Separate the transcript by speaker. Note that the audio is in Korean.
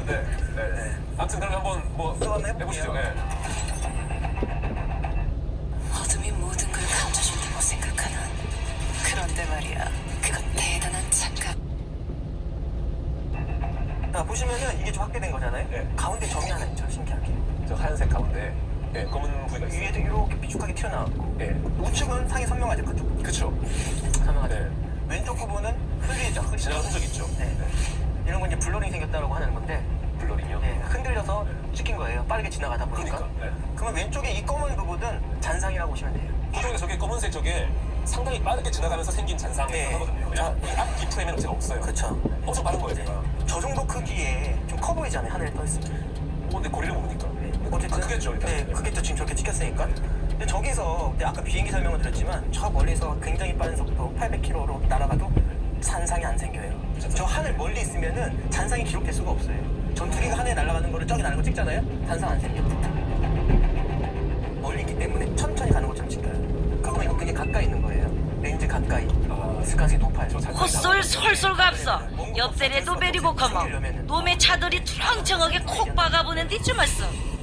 Speaker 1: 한데. 네. 아무튼 그럼 한번 뭐 해보시죠. 네.
Speaker 2: 어둠이 모든 걸 감춰준다고 생각하나? 그런데 말이야, 그건 대단한 착각.
Speaker 3: 자, 보시면은 이게 좀 확대된 거잖아요.
Speaker 1: 네.
Speaker 3: 가운데 점이 하나 있죠, 신기하게.
Speaker 1: 저 하얀색 가운데 검은 부위가 있어요.
Speaker 3: 위에도 이렇게 삐죽하게 튀어나왔고,
Speaker 1: 네.
Speaker 3: 우측은 상이 선명하죠, 그쪽.
Speaker 1: 그쵸.
Speaker 3: 선명하죠.
Speaker 1: 네.
Speaker 3: 왼쪽 부분은 흐리죠,
Speaker 1: 지나간 흔적 있죠.
Speaker 3: 네. 이런 건 이제 블러링이 생겼다고 하는 건데,
Speaker 1: 블러링이요.
Speaker 3: 네, 흔들려서 찍힌 거예요. 빠르게 지나가다 보니까.
Speaker 1: 그러니까. 네.
Speaker 3: 그러면 왼쪽에 이 검은 부분은 잔상이라고 보시면 돼요.
Speaker 1: 보통 저게 검은색 저게 상당히 빠르게 지나가면서 생긴 잔상이
Speaker 3: 네.
Speaker 1: 하거든요.
Speaker 3: 자,
Speaker 1: 앞 뒤프레임에는 제가 없어요.
Speaker 3: 그렇죠.
Speaker 1: 엄청 빠른 거예요, 제가.
Speaker 3: 저 정도 크기에 좀 커 보이잖아요, 하늘에 떠 있으면.
Speaker 1: 근데 거리를 모르니까.
Speaker 3: 어쨌든
Speaker 1: 크겠죠, 일단.
Speaker 3: 네, 크겠죠. 지금 저렇게 찍혔으니까. 근데 저기서 근데 아까 비행기 설명을 드렸지만 저 멀리서 굉장히 빠른 속도 800km로 날아가도 잔상이 안 생겨요. 저 하늘 멀리 있으면은 잔상이 기록될 수가 없어요. 전투기가 하늘에 날아가는 거를 저기 나는 거 찍잖아요. 잔상 안 생겨. 멀리 있기 때문에 천천히 가는 것처럼 찍혀요. 그러면 이거 굉장히 가까이 있는 거예요. 렌즈 가까이. 있을 가능성이 높아요.
Speaker 4: 헛소리 솔솔 갑서. 옆자리에도 베리고 커머. 놈의 차들이 투렁청하게 콕 박아보는 뒤쯤 왔어.